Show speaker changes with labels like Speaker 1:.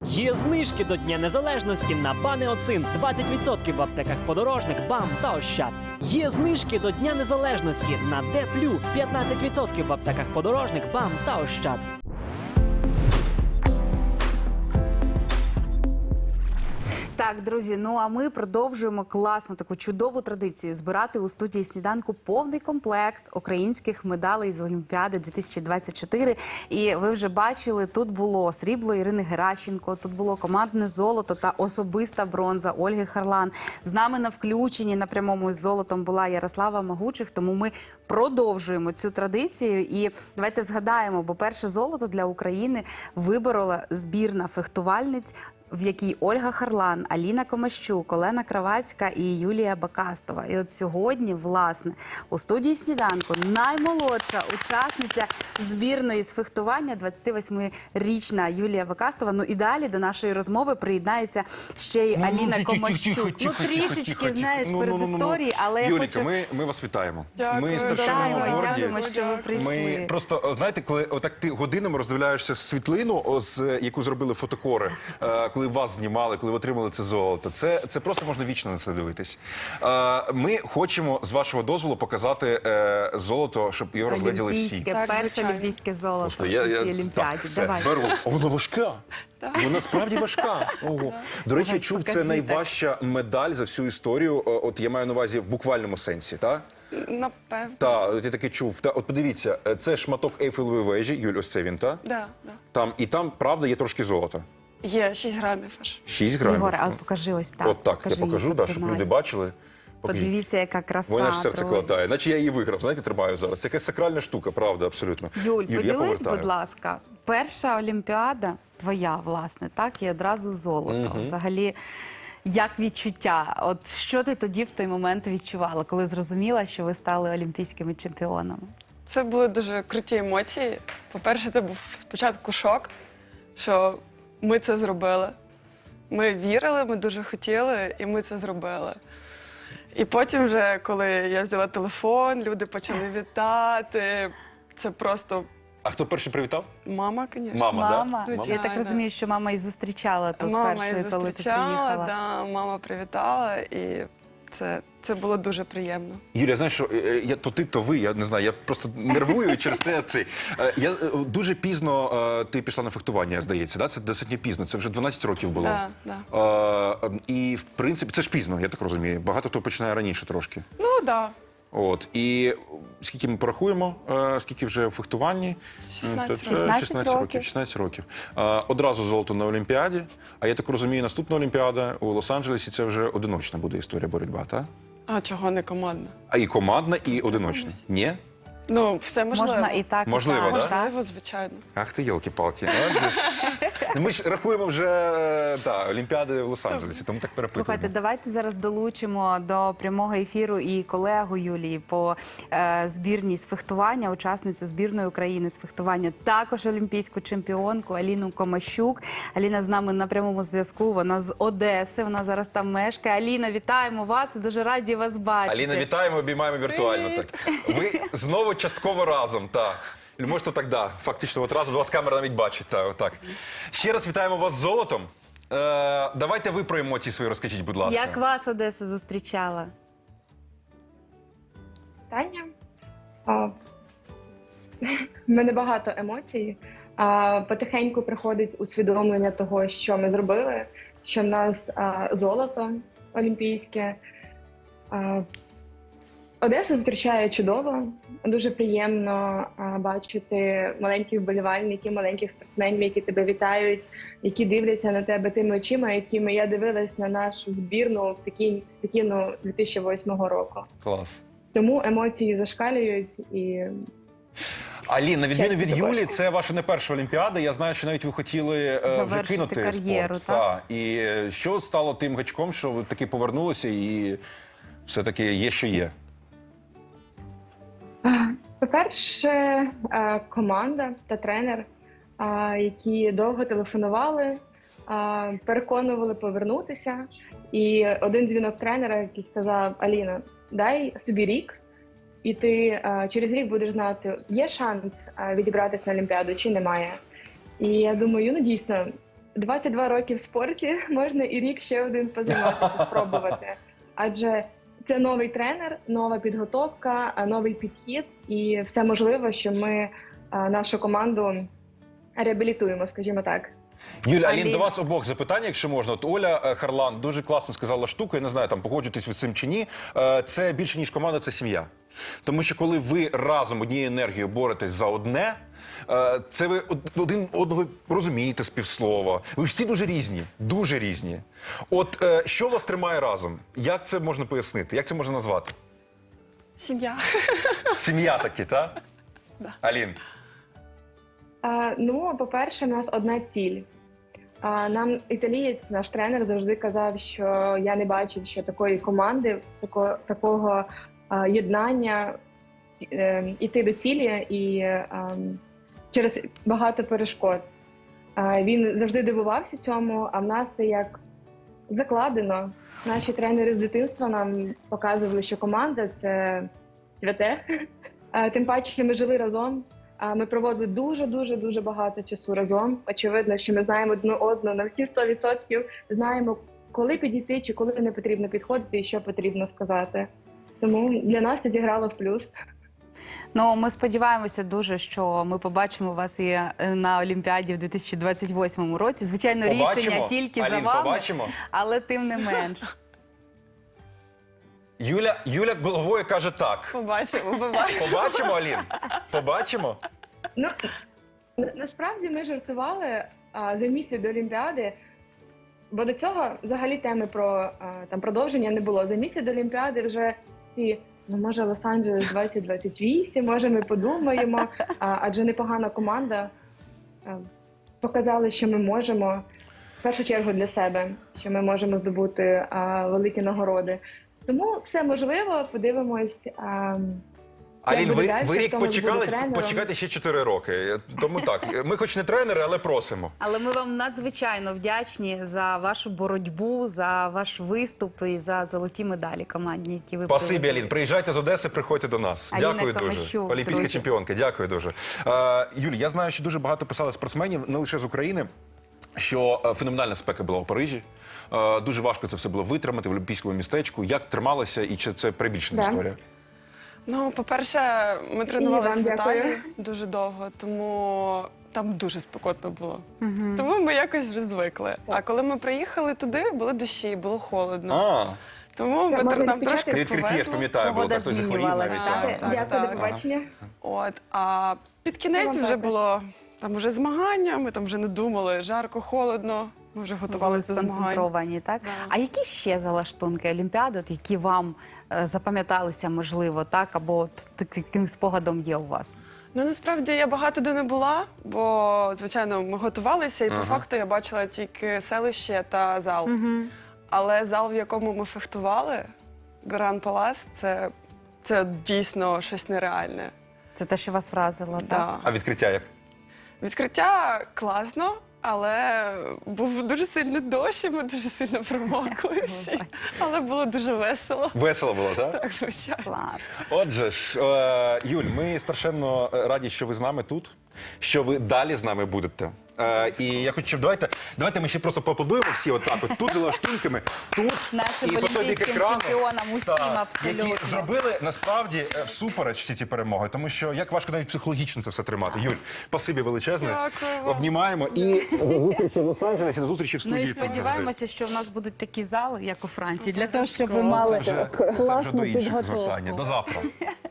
Speaker 1: Є знижки до Дня Незалежності на Банеоцин 20% в аптеках Подорожник, БАМ та Ощад. Є знижки до Дня Незалежності на Дефлю 15% в аптеках Подорожник, БАМ та Ощад.
Speaker 2: Так, друзі, ну а ми продовжуємо класну таку чудову традицію збирати у студії сніданку повний комплект українських медалей з Олімпіади 2024. І ви вже бачили, тут було срібло Ірини Геращенко, тут було командне золото та особиста бронза Ольги Харлан. З нами на включенні на прямому із золотом була Ярослава Магучих, тому ми продовжуємо цю традицію. І давайте згадаємо, бо перше золото для України виборола збірна фехтувальниць, в якій Ольга Харлан, Аліна Комащук, Олена Кравацька і Юлія Бакастова. І от сьогодні, власне, у студії сніданку наймолодша учасниця збірної з фехтування, 28-річна Юлія Бакастова. Ну і далі до нашої розмови приєднається ще й Аліна Комащук. Ну трішечки, знаєш, перед історією, але я хочу...
Speaker 3: ми вас вітаємо.
Speaker 4: Дякую,
Speaker 3: Ми страшенно горді.
Speaker 2: Дякуємо, що ви прийшли.
Speaker 3: Ми просто, знаєте, коли отак ти годинами роздивляєшся світлину, яку зробили фотокори, коли вас знімали, коли ви отримали це золото, це просто можна вічно на це дивитись. Ми хочемо, з вашого дозволу, показати золото, щоб його розгляділи всі.
Speaker 2: Олімпійське, перше олімпійське золото
Speaker 3: Господи,
Speaker 2: у цій Олімпіаді.
Speaker 3: Так, все,
Speaker 2: Давай.
Speaker 3: беру. Воно важка. Вона справді важка. Ого. До речі, я чув, це найважча медаль за всю історію. От я маю на увазі в буквальному сенсі, так?
Speaker 4: Напевно.
Speaker 3: Так, я таки чув. От подивіться, це шматок Ейфелевої вежі, Юль, ось це він, так?
Speaker 4: Да, да.
Speaker 3: І там, правда, є трошки золота.
Speaker 4: Є 6 грамів аж.
Speaker 3: 6 грамів.
Speaker 2: Ігоре, а покажи ось так.
Speaker 3: От так, я
Speaker 2: Покажи
Speaker 3: покажу,
Speaker 2: її,
Speaker 3: да, щоб
Speaker 2: потримай.
Speaker 3: люди бачили. Покажіть.
Speaker 2: Подивіться, яка краса.
Speaker 3: Вона ж серце
Speaker 2: друзі.
Speaker 3: клатає. Наче я її виграв, знаєте, тримаю зараз. Це якась сакральна штука, правда, абсолютно.
Speaker 2: Юль,
Speaker 3: я
Speaker 2: поділись,
Speaker 3: повертаю.
Speaker 2: будь ласка, перша Олімпіада твоя, власне, так, і одразу золото. Взагалі, як відчуття? От що ти тоді в той момент відчувала, коли зрозуміла, що ви стали олімпійськими чемпіонами?
Speaker 4: Це були дуже круті емоції. По-перше, це був спочатку шок, що ми це зробили. Ми вірили, ми дуже хотіли, і ми це зробили. І потім вже, коли я взяла телефон, люди почали вітати. Це просто
Speaker 3: А хто перший привітав?
Speaker 4: мама, звісно.
Speaker 2: Мама.
Speaker 3: Да?
Speaker 2: Я так розумію, що мама і зустрічала тут
Speaker 4: Мама
Speaker 2: першою,
Speaker 4: її
Speaker 2: коли ти
Speaker 4: зустрічала,
Speaker 2: приїхала.
Speaker 4: да, мама привітала, і це було дуже приємно.
Speaker 3: Юлія, знаєш, що то ти, то ви, я не знаю, я просто нервую через те. Я дуже пізно ти пішла на фехтування, здається, да? Це достатньо пізно, це вже 12 років було.
Speaker 4: Да.
Speaker 3: І, в принципі, це ж пізно, я так розумію. Багато хто починає раніше трошки.
Speaker 4: Ну, так. Да.
Speaker 3: От, і скільки ми порахуємо, скільки вже в фехтуванні?
Speaker 4: 16
Speaker 2: років.
Speaker 3: 16 років. Одразу золото на Олімпіаді, а я так розумію, наступна Олімпіада у Лос-Анджелесі це вже одиночна буде історія боротьба, так?
Speaker 4: А чого не командна?
Speaker 3: А і командна, і одиночна. Ні?
Speaker 4: Ну, все можливо.
Speaker 2: Можна і так,
Speaker 3: Можливо,
Speaker 2: і так.
Speaker 3: да?
Speaker 4: Можливо, звичайно.
Speaker 3: Ах ти, йолки-палки. Ми ж рахуємо вже Олімпіади в Лос-Анджелесі, тому так перепитуємо.
Speaker 2: Слухайте, давайте зараз долучимо до прямого ефіру і колегу Юлії по збірній з фехтування, учасницю збірної України з фехтування, також олімпійську чемпіонку Аліну Комащук. Аліна з нами на прямому зв'язку, вона з Одеси, вона зараз там мешкає. Аліна, вітаємо вас і дуже раді вас бачити.
Speaker 3: Аліна, вітаємо, обіймаємо віртуально. Так. Ви знову частково разом, так. Можете так, да, фактично, от разом, вас камера навіть бачить. Так. Ще раз вітаємо вас з золотом. Давайте ви про емоції свої розкажіть, будь ласка.
Speaker 2: Як вас Одеса зустрічала?
Speaker 5: Питання. В мене багато емоцій. Потихеньку приходить усвідомлення того, що ми зробили, що в нас золото олімпійське. Одесу зустрічає чудово. Дуже приємно бачити маленьких вболівальників, маленьких спортсменів, які тебе вітають, які дивляться на тебе тими очима, якими я дивилась на нашу збірну в Пекіну 2008 року.
Speaker 3: Клас.
Speaker 5: Тому емоції зашкалюють і...
Speaker 3: Алін, на відміну від
Speaker 5: Щастя,
Speaker 3: Юлі,
Speaker 5: також.
Speaker 3: це ваша не перша Олімпіада. Я знаю, що навіть ви хотіли вже
Speaker 2: Завершити
Speaker 3: кинути
Speaker 2: кар'єру,
Speaker 3: спорт.
Speaker 2: так?
Speaker 3: І що стало тим гачком, що ви таки повернулися і все-таки є, що є?
Speaker 5: По-перше, команда та тренер, які довго телефонували, переконували повернутися. І один дзвінок тренера, який сказав: Аліна, дай собі рік, і ти через рік будеш знати, є шанс відібратися на Олімпіаду чи немає. І я думаю, ну дійсно, 22 роки в спорті, можна і рік ще один позайматися, спробувати. Адже це новий тренер, нова підготовка, новий підхід і все можливо, що ми нашу команду реабілітуємо, скажімо так.
Speaker 3: Юля, Алін,
Speaker 2: Алін.
Speaker 3: до вас обох запитання, якщо можна. От Оля Харлан дуже класно сказала штуку, я не знаю, там погоджуєтесь ви з цим чи ні. Це більше, ніж команда, це сім'я. Тому що коли ви разом однією енергією боретесь за одне, це ви один одного розумієте з півслова. Ви всі дуже різні, дуже різні. От що вас тримає разом? Як це можна пояснити? Як це можна назвати?
Speaker 4: Сім'я.
Speaker 3: Сім'я таки, так? Алін.
Speaker 5: Ну, по-перше, в нас одна ціль. Нам італієць, наш тренер, завжди казав, що я не бачив ще такої команди, такого єднання, іти до цілі і через багато перешкод. Він завжди дивувався цьому, а в нас це як закладено. Наші тренери з дитинства нам показували, що команда – це святе. Тим паче, ми жили разом. Ми проводили дуже багато часу разом. Очевидно, що ми знаємо одну одну на всі 100%. Знаємо, коли підійти чи коли не потрібно підходити і що потрібно сказати. Тому для нас це зіграло в плюс.
Speaker 2: Ну, ми сподіваємося дуже, що ми побачимо вас і на Олімпіаді в 2028 році. Звичайно, рішення тільки
Speaker 3: Алін,
Speaker 2: за вами,
Speaker 3: побачимо.
Speaker 2: але тим не менш.
Speaker 3: Юля головою каже так.
Speaker 4: Побачимо.
Speaker 3: Побачимо, Алін? Побачимо?
Speaker 5: Ну, насправді ми жартували за місяць до Олімпіади, бо до цього взагалі теми про там продовження не було. За місяць до Олімпіади вже всі, ну може Лос-Анджелес 2028, може ми подумаємо, адже непогана команда. Показали, що ми можемо, в першу чергу для себе, що ми можемо здобути великі нагороди. Тому все можливо, подивимось.
Speaker 3: Алін, ви
Speaker 5: далі,
Speaker 3: рік
Speaker 5: хто у нас
Speaker 3: почекали,
Speaker 5: буде тренером.
Speaker 3: почекайте ще 4 роки. Тому так, ми хоч не тренери, але просимо.
Speaker 2: Але ми вам надзвичайно вдячні за вашу боротьбу, за ваш виступ і за золоті медалі командні, які ви
Speaker 3: Спасибі,
Speaker 2: привезли.
Speaker 3: Алін. Приїжджайте з Одеси, приходьте до нас.
Speaker 2: Аліна
Speaker 3: Дякую дуже.
Speaker 2: Камащук,
Speaker 3: Олімпійська
Speaker 2: друзі.
Speaker 3: чемпіонка, дякую дуже. Юль, я знаю, що дуже багато писали спортсменів, не лише з України, що феноменальна спека була у Парижі. Дуже важко це все було витримати в олімпійському містечку. Як трималося і чи це перебільшена
Speaker 5: Да.
Speaker 3: історія?
Speaker 4: Ну, по-перше, ми тренувалися
Speaker 5: вам
Speaker 4: в Італії
Speaker 5: дякую.
Speaker 4: дуже довго, тому там дуже спекотно було. Тому ми якось вже звикли. А коли ми приїхали туди, були дощі, було холодно. Тому
Speaker 5: Це можна
Speaker 4: нам
Speaker 5: відпечатати?
Speaker 4: трошки
Speaker 3: На відкритті, я ж
Speaker 4: повезло.
Speaker 3: пам'ятаю, було
Speaker 2: Погода
Speaker 3: так, хтось захворів
Speaker 2: змінювалась,
Speaker 3: навіть.
Speaker 2: так.
Speaker 3: так.
Speaker 5: Дякую, до
Speaker 4: так.
Speaker 5: побачення.
Speaker 4: От, а під кінець
Speaker 5: Вам
Speaker 4: вже
Speaker 5: також.
Speaker 4: було там вже змагання, ми там вже не думали, жарко, холодно, ми вже
Speaker 2: Були
Speaker 4: готувалися до змагань.
Speaker 2: сконцентровані, так?
Speaker 4: Да.
Speaker 2: А які ще залаштунки Олімпіади, от які вам запам'яталися, можливо, так? Або от таким спогадом є у вас?
Speaker 4: Ну, насправді я багато де не була, бо, звичайно, ми готувалися, і по факту я бачила тільки селище та зал. Але зал, в якому ми фехтували, Гран Палас, це дійсно щось нереальне.
Speaker 2: Це те, що вас вразило, так?
Speaker 4: Да.
Speaker 3: А відкриття як?
Speaker 4: Відкриття класно, але був дуже сильний дощ, і ми дуже сильно промокли всі. Але було дуже весело.
Speaker 3: Весело було, так?
Speaker 4: Так, звичайно.
Speaker 2: Клас.
Speaker 3: Отже ж, Юль, ми страшенно раді, що ви з нами тут, що ви далі з нами будете. І я хочу, щоб давайте ми ще просто поаплодуємо всі отак, от тут за лаштунками, тут
Speaker 2: Нашим
Speaker 3: і по той бік
Speaker 2: олімпійським
Speaker 3: екрану.
Speaker 2: чемпіонам, усім абсолютно.
Speaker 3: Які зробили насправді всупереч всі ці перемоги, тому що як важко навіть психологічно це все тримати. Юль, спасибі величезне.
Speaker 4: Дякую вам.
Speaker 3: Обнімаємо і до зустрічі в Лос-Анджелесі, до зустрічі в
Speaker 2: Ну
Speaker 3: студії.
Speaker 2: і
Speaker 3: тут завжди.
Speaker 2: сподіваємося, що в нас будуть такі зали, як у Франції, для того, щоб ви
Speaker 4: Обов'язково.
Speaker 2: мали
Speaker 3: Це вже до
Speaker 2: класну
Speaker 3: інших
Speaker 2: підготовку.
Speaker 3: звертання. До завтра.